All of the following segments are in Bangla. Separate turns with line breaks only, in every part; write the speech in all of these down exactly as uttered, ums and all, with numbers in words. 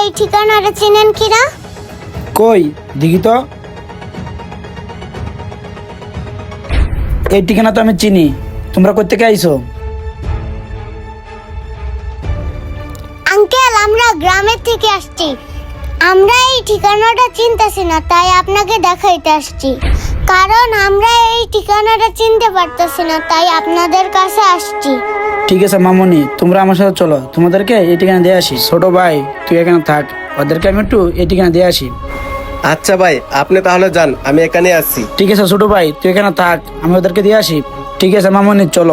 এই ঠিকানাটা চেনেন কিনা?
কই দেখি তো। এই ঠিকানা তো আমি চিনি। তোমরা কই থেকে আইছো?
আঙ্কেল, আমরা গ্রামের থেকে আসছি। আমরা এই ঠিকানাটা চিনতেছি না, তাই আপনাকে দেখাইতে আসছি। কারণ আমরা এই ঠিকানাটা চিনতে পারতেছি না, তাই আপনাদের কাছে আসছি।
ঠিক আছে মামুনি, তোমরা আমার সাথে চলো, তোমাদেরকে এই ঠিকানা দিয়ে আসি। ছোট ভাই তুই এখানে থাক, ওদেরকে আমি একটু এই ঠিকানা দিয়ে আসি।
আচ্ছা ভাই, আপনি তাহলে যান, আমি এখানে আছি।
ঠিক আছে ছোট ভাই, তুই এখানে থাক, আমি ওদেরকে দিয়ে আসি। ঠিক আছে মামুনি, চলো।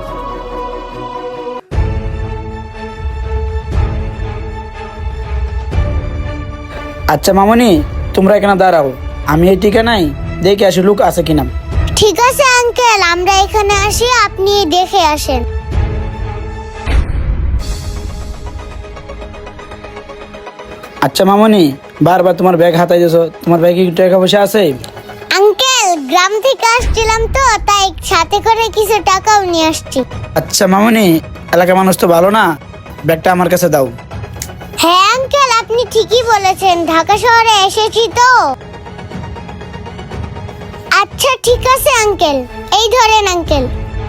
আচ্ছা মামুনি, তোমরা এখানে দাঁড়াও, আমি এই ঠিকানায় দেখে আসি লোক আছে কিনা।
ঠিক আছে আঙ্কেল, আমরা এখানে আসি, আপনি দেখে আসেন।
আচ্ছা মামুনি, বারবার তোমার ব্যাগ হাতাই দিয়েছো, তোমার ব্যাগে কি টাকা পয়সা আছে?
আঙ্কেল, গ্রাম থেকে আসছিলাম তো, তাই সাথে করে কিছু টাকাও নিয়ে আসছি।
আচ্ছা মামুনি, এলাকার মানুষ তো ভালো না, ব্যাগটা আমার কাছে দাও।
হ্যাঁ আঙ্কেল, আপনি ঠিকই বলেছেন, ঢাকা শহরে এসেছি তো। আচ্ছা ঠিক আছে আঙ্কেল, এই ধরেন আঙ্কেল।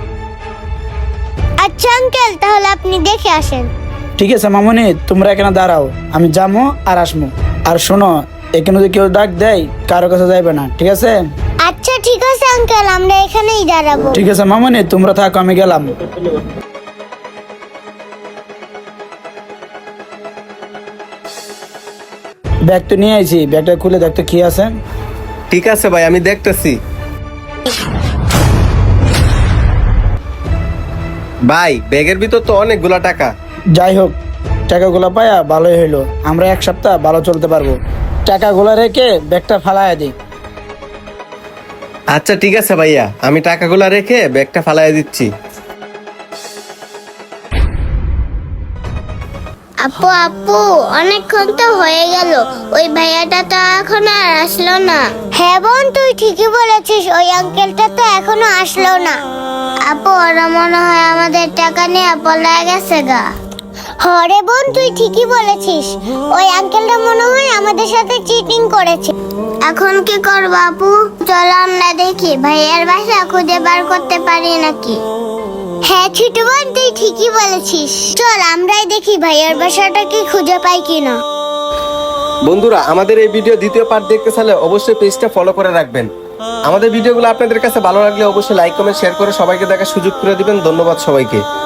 আচ্ছা আঙ্কেল, তাহলে আপনি দেখে আসেন।
ঠিক আছে মামুনি, তোমরা এখানে দাঁড়াও, আমি যাবো আর আসবো। আর শোনো, এখানে যদি কেউ ডাক দেয় কারো কাছে যাইবে না, ঠিক আছে?
আচ্ছা ঠিক আছে আঙ্কেল, আমরা এখানেই দাঁড়াবো।
ঠিক আছে মামুনি, তোমরা থাকো, আমি গেলাম। ব্যাগ তো নিয়ে আইছি, ব্যাগটা খুলে দেখতো কি আছে।
ঠিক আছে ভাই, আমি দেখতেছি। ভাই, ব্যাগের ভিতর তো অনেকগুলা টাকা।
যাই হোক, টাকাগুলো পায়া ভালোই হইলো, আমরা এক সপ্তাহ ভালো চলতে পারবো। টাকাগুলো রেখে ব্যাগটা ফালাইয়া দিই।
আচ্ছা ঠিক আছে ভাইয়া, আমি টাকাগুলা রেখে ব্যাগটা ফালাই দিচ্ছি।
আপু আপু, অনেকক্ষণ তো হয়ে গেল, ওই ভাইয়াটা তো এখন আর আসলো না। হ্যাঁ বোন, তুই ঠিকই বলেছিস, ওই আঙ্কেলটা তো এখনো আসলো না। আপু, ওরা মনে হয় আমাদের টাকা নিয়ে পলায় গেছে গা। হরে বোন, তুই ঠিকই বলেছিস, ওই আঙ্কেলটা মনে হয় আমাদের সাথে চিটিং করেছে। এখন কি করবো আপু? চল আমরা দেখি ভাইয়ার বাসা খুঁজে বার করতে পারি নাকি। হ্যাঁ ছোট বোন, তুই ঠিকই বলেছিস, চল আমরাই দেখি ভাইয়ার বাসাটা কি খুঁজে পাই কিনা।
বন্ধুরা, আমাদের এই ভিডিও দ্বিতীয় পার্ট দেখতে চাইলে অবশ্যই পেজটা ফলো করে রাখবেন। আমাদের ভিডিওগুলো আপনাদের কাছে ভালো লাগলে অবশ্যই লাইক কমেন্ট শেয়ার করে সবাইকে দেখার সুযোগ করে দিবেন। ধন্যবাদ সবাইকে।